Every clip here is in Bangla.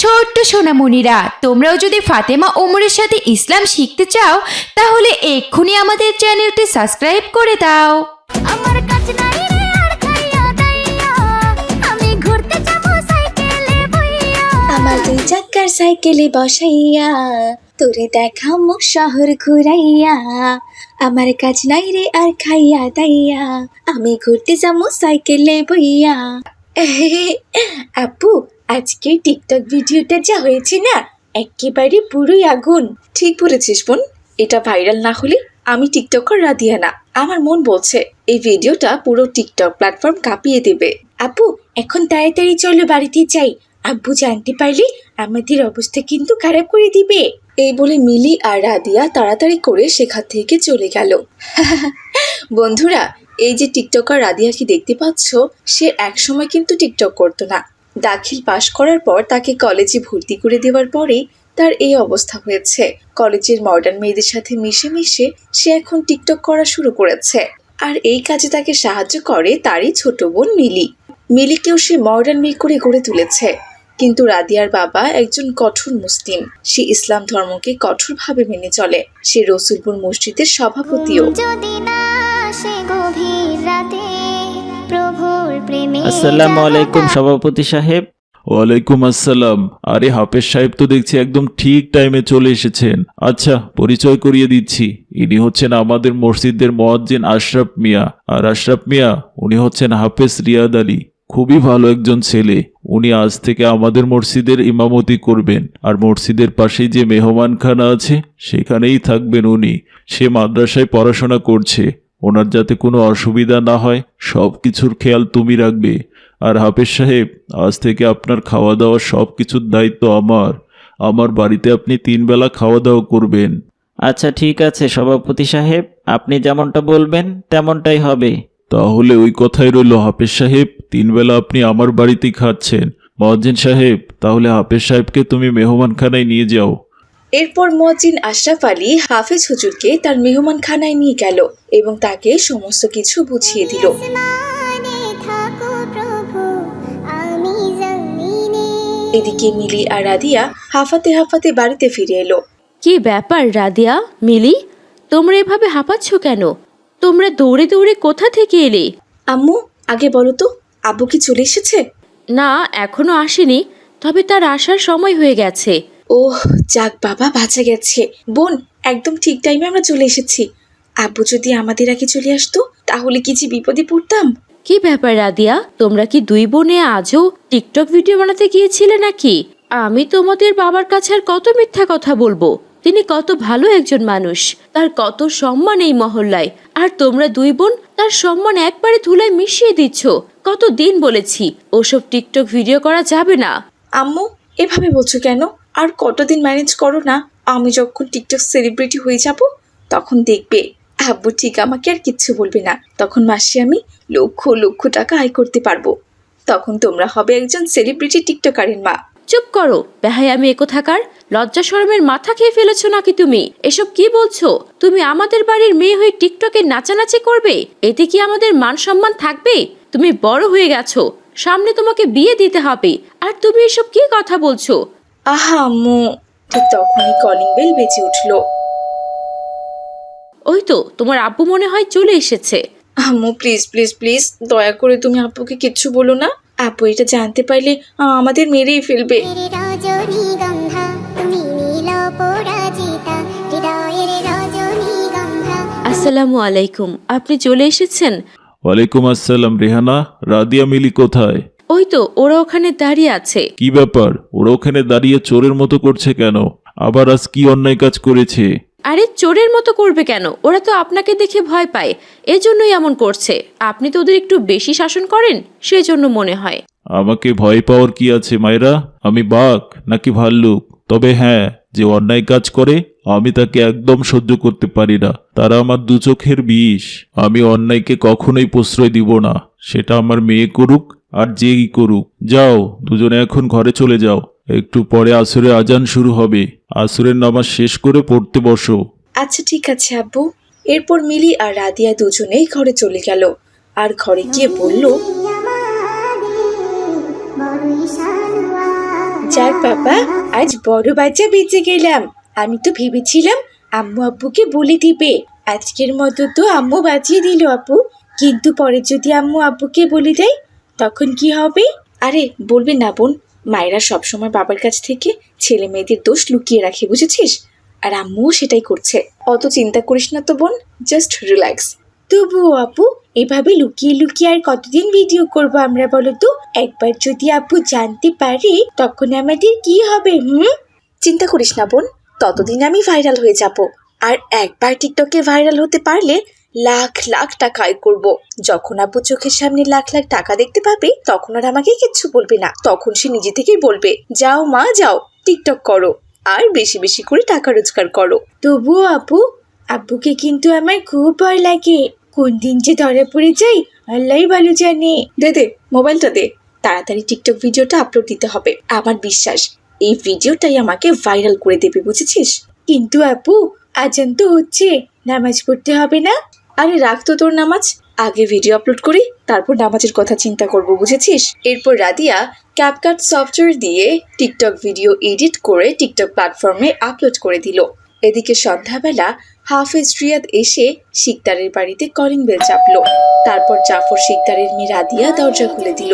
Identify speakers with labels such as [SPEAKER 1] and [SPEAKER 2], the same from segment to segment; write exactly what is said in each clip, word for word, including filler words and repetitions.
[SPEAKER 1] ছোট্ট সোনামণিরা, তোমরাও যদি ফাতেমা ওমরের সাথে ইসলাম শিখতে চাও তাহলে এক্ষুনি আমাদের চ্যানেলটি সাবস্ক্রাইব করে দাও।
[SPEAKER 2] আমার কাছে নাই রে আর খাইয়া দাইয়া, আমি ঘুরতে যাবো সাইকেলে বইয়া।
[SPEAKER 3] আমার দুই চাকার সাইকেলে বসাইয়া তোরে দেখামো শহর ঘুরাইয়া। আমার কাজ নাই রে আর খাইয়া দাইয়া, আমি ঘুরতে যাবো সাইকেলে বইয়া। আপু, আজকে টিকটক ভিডিওটা যা হয়েছে না, একেবারে পুরোই আগুন। ঠিক বলেছিস বোন, এটা ভাইরাল না হলে আমি টিকটকার রাধিয়া না। আমার মন বলছে এই ভিডিওটা পুরো টিকটক প্ল্যাটফর্ম কাঁপিয়ে দেবে। আপু, এখন তাড়াতাড়ি চলো বাড়িতে যাই, আব্বু জানতে পারলে আমাদের অবস্থা কিন্তু খারাপ করে দিবে। এই বলে মিলি আর রাদিয়া তাড়াতাড়ি করে সেখান থেকে চলে গেল। বন্ধুরা, এই যে টিকটকার রাদিয়াকে দেখতে পাচ্ছ, সে একসময় কিন্তু টিকটক করতো না। দাখিল পাশ করার পর তাকে কলেজে ভর্তি করে দেওয়ার পরেই তার এই অবস্থা হয়েছে। কলেজের মডার্ন মেয়েদের সাথে মিশে মিশে সে এখন টিকটক করা শুরু করেছে। আর এই কাজে তাকে সাহায্য করে তারই ছোট বোন মিলি। মিলিকেও সে মডার্ন মেয়ে করে গড়ে তুলেছে। কিন্তু রাদিয়ার বাবা একজন কঠোর মুসলিম। সে ইসলাম ধর্মকে কঠোরভাবে মেনে চলে। সে রসুলপুর মসজিদের সভাপতিও।
[SPEAKER 2] যদি না আসে গভীর রাতে প্রভুর প্রেমে।
[SPEAKER 4] আসসালামু আলাইকুম সভাপতি সাহেব।
[SPEAKER 5] ওয়ালাইকুম আসসালাম। আরে হাফেজ সাহেব তো দেখছি একদম ঠিক টাইমে চলে এসেছেন। আচ্ছা, পরিচয় করিয়ে দিচ্ছি, ইনি হচ্ছেন আমাদের মসজিদের মুয়াজ্জিন আশরাফ মিয়া। আর আশরাফ মিয়া উনি হচ্ছেন হাফেজ রিয়াদ আলী। খুবই ভালো একজন ছেলে। উনি আজ থেকে আমাদের মসজিদের ইমামতি করবেন। আর মসজিদের পাশেই যে মেহমানখানা আছে সেখানেই থাকবেন উনি। সে মাদ্রাসায় পড়াশোনা করছে। ওনার যাতে কোনো অসুবিধা না হয় সব কিছুর খেয়াল তুমি রাখবে। আর হাফেজ সাহেব, আজ থেকে আপনার খাওয়া দাওয়া সব কিছুর দায়িত্ব আমার। আমার বাড়িতে আপনি তিন বেলা খাওয়া দাওয়া করবেন।
[SPEAKER 4] আচ্ছা ঠিক আছে সভাপতি সাহেব, আপনি যেমনটা বলবেন তেমনটাই হবে।
[SPEAKER 5] তাহলে ওই কথাই রইল হাফেজ সাহেব, তিন বেলা আপনি আমার বাড়িতেই খাচ্ছেন। মুয়াজ্জিন সাহেব, তাহলে হাফেজ সাহেবকে তুমি মেহমানখানায় নিয়ে যাও।
[SPEAKER 3] এরপর মুয়াজ্জিন আশরাফ আলী হাফেজ হুজুরকে তার মেহমানখানায় নিয়ে গেল এবং তাকে সমস্ত কিছু বুঝিয়ে দিল।
[SPEAKER 2] আসমানে থাকো প্রভু, আমি জমিনে।
[SPEAKER 3] এদিকে মিলি আর রাদিয়া হাঁফাতে হাঁফাতে বাড়িতে ফিরে এলো।
[SPEAKER 6] কি ব্যাপার রাদিয়া, মিলি, তোমরা এভাবে হাঁপাচ্ছ কেন? তোমরা দৌড়ে দৌড়ে কোথা থেকে এলে?
[SPEAKER 3] আম্মু, আগে বলো তো, আব্বু কি চলে এসেছে?
[SPEAKER 6] না, এখনো আসেনি, তবে তার আসার সময় হয়ে গেছে।
[SPEAKER 3] ওহ, যাক বাবা, বাঁচা গেছে। বোন, একদম ঠিক টাইমে আমরা চলে এসেছি। আব্বু যদি আমাদের আগে চলে আসতো তাহলে কি যে বিপদে পড়তাম।
[SPEAKER 6] কি ব্যাপার রাদিয়া, তোমরা কি দুই বোনে আজও টিকটক ভিডিও বানাতে গিয়েছিলে নাকি? আমি তোমাদের বাবার কাছে আর কত মিথ্যা কথা বলবো। তিনি কত ভালো একজন মানুষ, তার কত সম্মান এই মহল্লায়, আর তোমরা দুই বোন তার সম্মান একবারে ধুলায় মিশিয়ে দিচ্ছ। কত দিন বলেছি ওসব টিকটক ভিডিও করা যাবে না।
[SPEAKER 3] আম্মু, এভাবে বলছো কেন? আর কতদিন ম্যানেজ করো না। আমি যখন টিকটক সেলিব্রিটি হয়ে যাব তখন দেখবে আব্বু ঠিক আমাকে আর কিচ্ছু বলবে না। তখন মাসে আমি লক্ষ লক্ষ টাকা আয় করতে পারবো। তখন তোমরা হবে একজন সেলিব্রিটি টিকটকারের মা।
[SPEAKER 6] চুপ করো বেহাই, আমি একথাকার। লজ্জা শরমের মাথা খেয়ে ফেলেছো নাকি তুমি? এসব কি বলছো? তুমি আমাদের বাড়ির মেয়ে হয়ে টিকটকে নাচানাচি করবে? এতে কি আমাদের মান সম্মান থাকবে? তুমি বড় হয়ে গেছো, সামনে তোমাকে বিয়ে দিতে হবে, আর তুমি এসব কি কথা বলছো?
[SPEAKER 3] আহা আম্মু। ঠিক তখনই কলিং বেল বেজে উঠলো।
[SPEAKER 6] ওই তো তোমার আব্বু মনে হয় চলে এসেছে।
[SPEAKER 3] আম্মু, প্লিজ প্লিজ প্লিজ দয়া করে তুমি আব্বুকে কিচ্ছু বলো না। আব্বু এটা জানতে পারলে আমাদের মেরেই ফেলবে।
[SPEAKER 2] রজনীগন্ধা তুমি নীল পরাজিতা, হৃদয়ের রজনীগন্ধা।
[SPEAKER 6] আসসালামু আলাইকুম, আপনি চলে এসেছেন?
[SPEAKER 5] ওয়ালাইকুম আসসালাম। রেহানা, রাদিয়া, মিলি কোথায়?
[SPEAKER 6] ওই তো ওরা ওখানে দাঁড়িয়ে আছে।
[SPEAKER 5] কি ব্যাপার, ওরা ওখানে দাঁড়িয়ে চোরের মতো করছে কেন? আবার আজ কি অন্যায় কাজ করেছে?
[SPEAKER 6] আরে চোরের মতো করবে কেন? ওরা তো আপনাকে দেখে ভয় পায়, এজন্যই এমন করছে। আপনি তো ওদের একটু বেশি শাসন করেন, সেজন্য মনে হয়।
[SPEAKER 5] আমাকে ভয় পাওয়ার কি আছে মায়েরা? আমি বাঘ নাকি ভাল্লুক? তবে হ্যাঁ, যে অন্যায় কাজ করে আমি তাকে একদম সহ্য করতে পারি না। তারা আমার দু চোখের বিষ। আমি অন্যায়কে কখনোই প্রশ্রয় দিব না, সেটা আমার মেয়ে করুক আর যেই করুক। যাও, দুজনে এখন ঘরে চলে যাও। একটু পরে আসরের আজান শুরু হবে। আসরের নামাজ শেষ করে পড়তে বসো।
[SPEAKER 3] আচ্ছা ঠিক আছে আব্বু। এরপর মিলি আর রাদিয়া দুজনেই ঘরে চলে গেল। আর ঘরে গিয়ে বলল, যাক বাবা, আজ বড় বাচ্চা বেঁচে গেলাম। আমি তো ভেবেছিলাম আম্মু আব্বুকে বলে দিবে। আজকের মতো তো আম্মু বাঁচিয়ে দিল আপু, কিন্তু পরে যদি আম্মু আব্বুকে বলে দেয় তখন কি হবে? আরে বলবে না বোন, মায়েরা সবসময় বাবার কাছ থেকে ছেলে মেয়েদের দোষ লুকিয়ে রাখে, বুঝেছিস? আর আম্মুও সেটাই করছে। অত চিন্তা করিস না তো বোন, জাস্ট রিল্যাক্স। তবুও আপু, এভাবে লুকিয়ে লুকিয়ে আর কতদিন ভিডিও করব আমরা বলো তো? একবার যদি আপু জানতে পারে তখন আমাদের কি হবে? হুম, চিন্তা করিস না বোন, ততদিন আমি ভাইরাল হয়ে যাব। আর একবার টিকটকে ভাইরাল হতে পারলে লাখ লাখ টাকা আয় করব। যখন আপু চোখের সামনে লাখ লাখ টাকা দেখতে পাবে তখন আর আমাকে কিচ্ছু বলবে না, তখন সে নিজে থেকেই বলবে, যাও মা যাও, টিকটক করো আর বেশি বেশি করে টাকা রোজগার করো। তবুও আপু, আব্বুকে কিন্তু আমার খুব ভয় লাগে। কোন দিন যে ধরে পড়ে যাই আল্লাহই ভালো জানে। দে দে মোবাইলটা দে, তাড়াতাড়ি টিকটক ভিডিওটা আপলোড দিতে হবে। আমার বিশ্বাস এই ভিডিওটাই আমাকে ভাইরাল করে দেবে, বুঝেছিস? কিন্তু আপু, আজান তো হচ্ছে, নামাজ পড়তে হবে না? আরে রাখ তো তোর নামাজ, আগে ভিডিও আপলোড করি, তারপর নামাজের কথা চিন্তা করব, বুঝেছিস? এরপর রাদিয়া ক্যাপকাট সফটওয়্যার দিয়ে টিকটক ভিডিও এডিট করে টিকটক প্ল্যাটফর্মে আপলোড করে দিল। এদিকে সন্ধ্যাবেলা হাফেজ রিয়াদ এসে শিকদারের বাড়িতে কলিং বেল চাপলো। তারপর জাফর শিকদারের মেয়ে রাদিয়া দরজা খুলে দিল।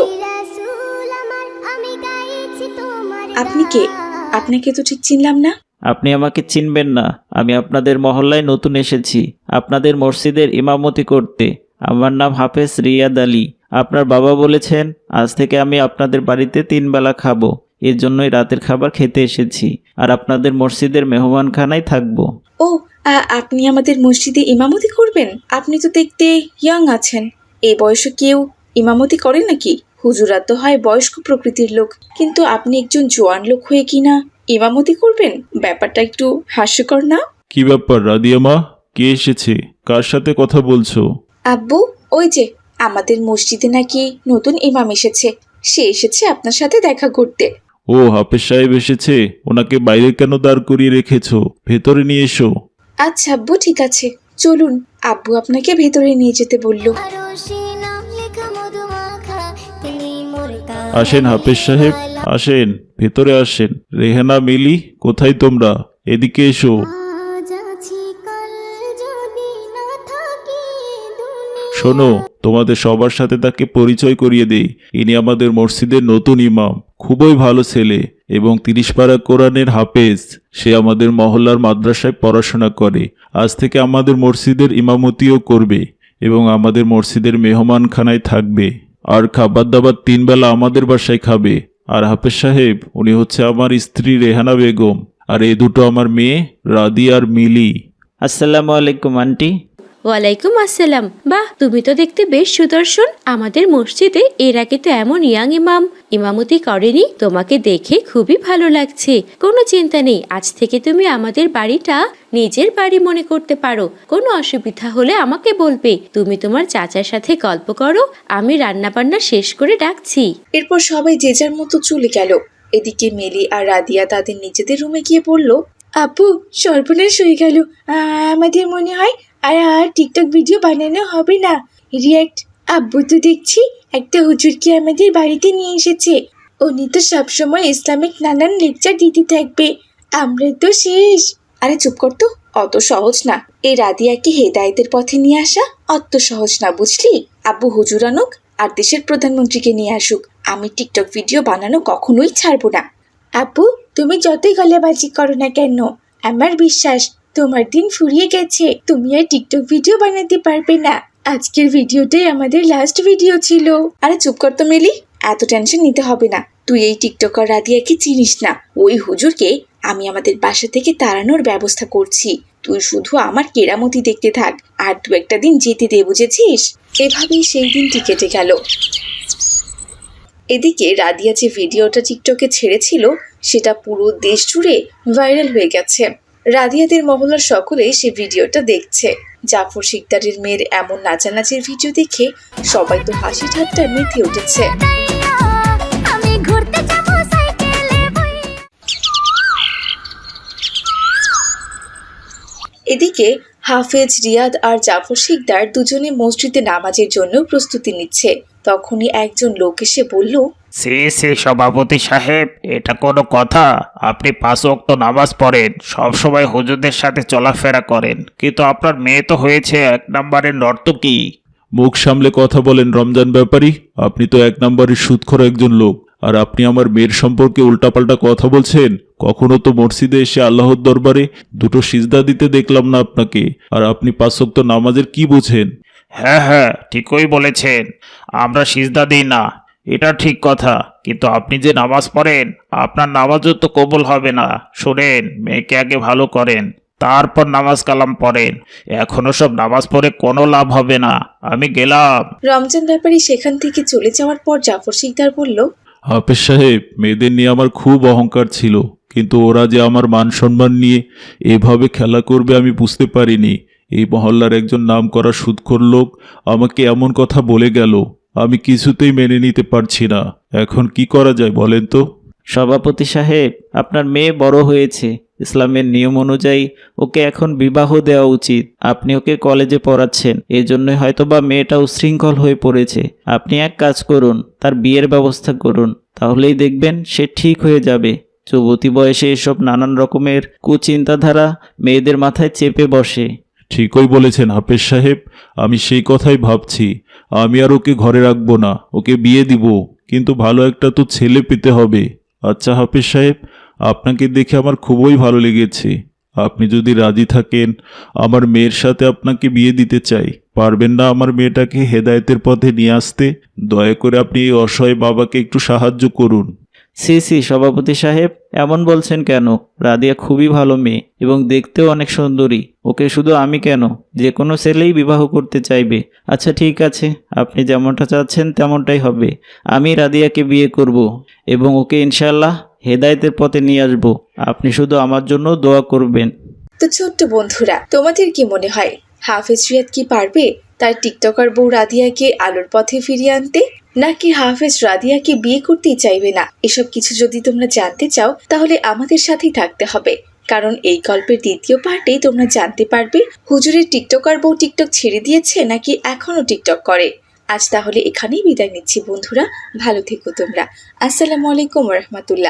[SPEAKER 3] আপনি কে? আপনাকে তো ঠিক চিনলাম না।
[SPEAKER 4] আপনি আমাকে চিনবেন না, আমি আপনাদের মহল্লায় নতুন এসেছি আপনাদের মসজিদের ইমামতি করতে। আমার নাম হাফেজ রিয়াদ আলী। আপনার বাবা বলেছেন আজ থেকে আমি আপনাদের বাড়িতে তিন বেলা খাবো, এর জন্যই রাতের খাবার খেতে এসেছি, আর আপনাদের মসজিদের মেহমানখানায় থাকবো।
[SPEAKER 3] ও, আ- আপনি আমাদের মসজিদে ইমামতি করবেন? আপনি তো দেখতে ইয়াং আছেন, এই বয়সে কেউ ইমামতি করে নাকি? হুজুরা তো হয় বয়স্ক প্রকৃতির লোক, কিন্তু আপনি একজন জোয়ান লোক হয়ে কিনা ইমামতি করবেন? ব্যাপারটা একটু হাস্যকর না?
[SPEAKER 5] কি ব্যাপার রাদিয়া মা, কে এসেছে? কার সাথে কথা বলছো?
[SPEAKER 3] আব্বু, ওই যে আমাদের মসজিদে নাকি নতুন ইমাম এসেছে, সে এসেছে আপনার সাথে দেখা করতে।
[SPEAKER 5] ও, হাফেজ সাহেব এসেছে? ওনাকে বাইরে কেন দাঁড় করিয়ে রেখেছো? ভেতরে নিয়ে এসো।
[SPEAKER 3] আচ্ছা আব্বু, ঠিক আছে, চলুন। আব্বু আপনাকে ভেতরে নিয়ে যেতে বলল।
[SPEAKER 5] আসেন হাফেজ সাহেব, আসেন, ভেতরে আসেন। রেহানা, মিলি, কোথায় তোমরা? এদিকে এসো। শোনো, তোমাদের সবার সাথে তাকে পরিচয় করিয়ে দেই। ইনি আমাদের মসজিদের নতুন ইমাম, খুবই ভালো ছেলে এবং তিরিশ পারা কোরআনের হাফেজ। সে আমাদের মহল্লার মাদ্রাসায় পড়াশোনা করে। আজ থেকে আমাদের মসজিদের ইমামতিও করবে এবং আমাদের মসজিদের মেহমানখানায় থাকবে। আর খাবার দাবার তিন বেলা আমাদের বাসায় খাবে। আর হাফেজ সাহেব, উনি হচ্ছে আমার স্ত্রী রেহানা বেগম, আর এই দুটো আমার মেয়ে রাদিয়া আর মিলি।
[SPEAKER 4] আসসালামু আলাইকুম আন্টি।
[SPEAKER 6] ওয়ালাইকুম আসসালাম। বাহ, তুমি তো দেখতে বেশ সুদর্শন। আমাদের মসজিদে এর আগে তো এমন ইয়াং ইমাম ইমামতি করেনি। তোমাকে দেখে খুবই ভালো লাগছে। কোনো চিন্তা নেই, আজ থেকে তুমি আমাদের বাড়িটা নিজের বাড়ি মনে করতে পারো। কোনো অসুবিধা হলে আমাকে বলবে। তুমি তোমার চাচার সাথে গল্প করো, আমি রান্না বান্না শেষ করে ডাকছি।
[SPEAKER 3] এরপর সবাই যে যার মতো চলে গেল। এদিকে মিলি আর রাদিয়া তাদের নিজেদের রুমে গিয়ে বলল, আপু সর্বনাশ হয়ে গেল, আমাদের মনে হয় আর আর টিকটক ভিডিও বানানো হবে না। রিয়াক্ট আব্বু তো দেখছি একটা হুজুরকে আমাদের বাড়িতে নিয়ে এসেছে। উনি তো সবসময় ইসলামিক নানান লেকচার দিতে থাকবে, আমরা তো শেষ। আরে চুপ কর তো, অত সহজ না এই রাদিয়াকে হেদায়েতের পথে নিয়ে আসা, অত সহজ না বুঝলি। আব্বু হুজুর আনুক আর দেশের প্রধানমন্ত্রীকে নিয়ে আসুক, আমি টিকটক ভিডিও বানানো কখনোই ছাড়বো না। আপু তুমি যতই গলাবাজি করো না কেন, আমার বিশ্বাস তোমার দিন ফুরিয়ে গেছে, তুমি আর টিকটক ভিডিও বানাতে পারবে না। আজকের ভিডিওটাই আমাদের লাস্ট ভিডিও ছিল। আরে চুপ কর তো মিলি, এত টেনশন নিতে হবে না। তুই এই টিকটকার রাদিয়াকে চিনিস না, ওই হুজুরকে আমি আমাদের বাসা থেকে তাড়ানোর ব্যবস্থা করছি। তুই শুধু আমার কেরামতি দেখতে থাক, আর দু একটা দিন যেতে দে, বুঝেছিস? এভাবেই সেই দিনটি কেটে গেল। এদিকে রাদিয়া যে ভিডিওটা টিকটকে ছেড়েছিল সেটা পুরো দেশ জুড়ে ভাইরাল হয়ে গেছে। রাদিয়াদের মহল্লার সকলে সে ভিডিওটা দেখছে। জাফর শিকদারের মেয়ের এমন নাচানাচির ভিডিও দেখে সবাই তো হাসি ঠাট্টা মেতে উঠেছে।
[SPEAKER 2] আমি ঘুরতে যাব সাইকেলে বই।
[SPEAKER 3] এদিকে হাফেজ, রিয়াদ আর জাফর শিকদার দুজনে মসজিদে নামাজের জন্য প্রস্তুতি নিচ্ছে। তখনই একজন লোক এসে বলল,
[SPEAKER 4] সে সে সভাপতি সাহেব, এটা কোনো কথা? আপনি পাঁচ ওয়াক্ত নামাজ পড়েন, সবসময় হুজুরদের সাথে চলাফেরা করেন, কিন্তু আপনার মেয়ে তো হয়েছে এক নম্বরের নর্তকী।
[SPEAKER 5] মুখ সামলে কথা বলেন রমজান ব্যাপারী। আপনি তো এক নম্বরের সুদখোর একজন লোক, আর আপনি আমার মেয়ের সম্পর্কে উল্টাপাল্টা কথা বলছেন। কখনো তো মসজিদে এসে আল্লাহর দরবারে দুটো সিজদা দিতে দেখলাম না আপনাকে, আর আপনি পাঁচ ওয়াক্ত নামাজের কি বোঝেন?
[SPEAKER 4] হ্যাঁ হ্যাঁ, ঠিকই বলেছেন, আমরা সিজদা দিই না, এটা ঠিক কথা, কিন্তু আপনি যে নামাজ পড়েন, আপনার নামাজও তো কবুল হবে না। শোনেন, মেয়েকে আগে ভালো করেন, তারপর নামাজ কালাম পড়েন। এখনো সব নামাজ পড়ে কোনো লাভ হবে না। আমি গেলাম।
[SPEAKER 3] রমজান ব্যাপারী সেখান থেকে চলে যাওয়ার পর জাফর শিকদার বলল,
[SPEAKER 5] হাফেজ সাহেব, মেয়েদের নিয়ে আমার খুব অহংকার ছিল, কিন্তু ওরা যে আমার মান সম্মান নিয়ে এভাবে খেলা করবে আমি বুঝতে পারিনি। এই মহল্লার একজন নামকরা সুদখোর লোক আমাকে এমন কথা বলে গেল, আমি কিছুতেই মেনে নিতে পারছি না। এখন কি করা যায় বলেন তো?
[SPEAKER 4] সভাপতি সাহেব, আপনার মেয়ে বড় হয়েছে, ইসলামের নিয়ম অনুযায়ী ওকে এখন বিবাহ দেওয়া উচিত। আপনি ওকে কলেজে পড়াচ্ছেন, এই জন্যই হয়তোবা মেয়েটা উশৃঙ্খল হয়ে পড়েছে। আপনি এক কাজ করুন, তার বিয়ের ব্যবস্থা করুন, তাহলেই দেখবেন সে ঠিক হয়ে যাবে। যুবতী বয়সে এসব নানান রকমের কুচিন্তাধারা মেয়েদের মাথায় চেপে বসে।
[SPEAKER 5] ঠিকই বলেছেন হাফেজ সাহেব, আমি সেই কথাই ভাবছি। আমি আর ওকে ঘরে রাখবো না, ওকে বিয়ে দিব, কিন্তু ভালো একটা তো ছেলে পেতে হবে। আচ্ছা হাফেজ সাহেব, আপনাকে দেখে আমার খুবই ভালো লেগেছে। আপনি যদি রাজি থাকেন, আমার মেয়ের সাথে আপনাকে বিয়ে দিতে চাই। পারবেন না আমার মেয়েটাকে হেদায়েতের পথে নিয়ে আসতে? দয়া করে আপনি এই অসহায় বাবাকে একটু সাহায্য করুন।
[SPEAKER 4] সি সি সভাপতি সাহেব, এমন বলছেন কেন? রাদিয়া খুবই ভালো মেয়ে এবং দেখতেও অনেক সুন্দরী। ওকে শুধু আমি কেন, যে কোনো ছেলেই বিবাহ করতে চাইবে। আচ্ছা ঠিক আছে, আপনি যেমনটা চাচ্ছেন তেমনটাই হবে। আমি রাদিয়াকে বিয়ে করব এবং ওকে ইনশাল্লাহ হেদায়েতের পথে নিয়ে আসব। আপনি শুধু আমার জন্য দোয়া করবেন।
[SPEAKER 3] তো ছোট্ট বন্ধুরা, তোমাদের কি মনে হয় হাফেজ রিয়াদ কি পারবে তার টিকটকার বউ রাদিয়াকে আলোর পথে ফিরিয়ে আনতে, নাকি হাফেজ রাদিয়াকে বিয়ে করতেই চাইবে না? এসব কিছু যদি তোমরা জানতে চাও তাহলে আমাদের সাথেই থাকতে হবে, কারণ এই গল্পের দ্বিতীয় পার্টেই তোমরা জানতে পারবে হুজুরের টিকটকার বউ টিকটক ছেড়ে দিয়েছে নাকি এখনো টিকটক করে। আজ তাহলে এখানেই বিদায় নিচ্ছি বন্ধুরা, ভালো থেকো তোমরা। আসসালামু আলাইকুম রহমতুল্লাহ।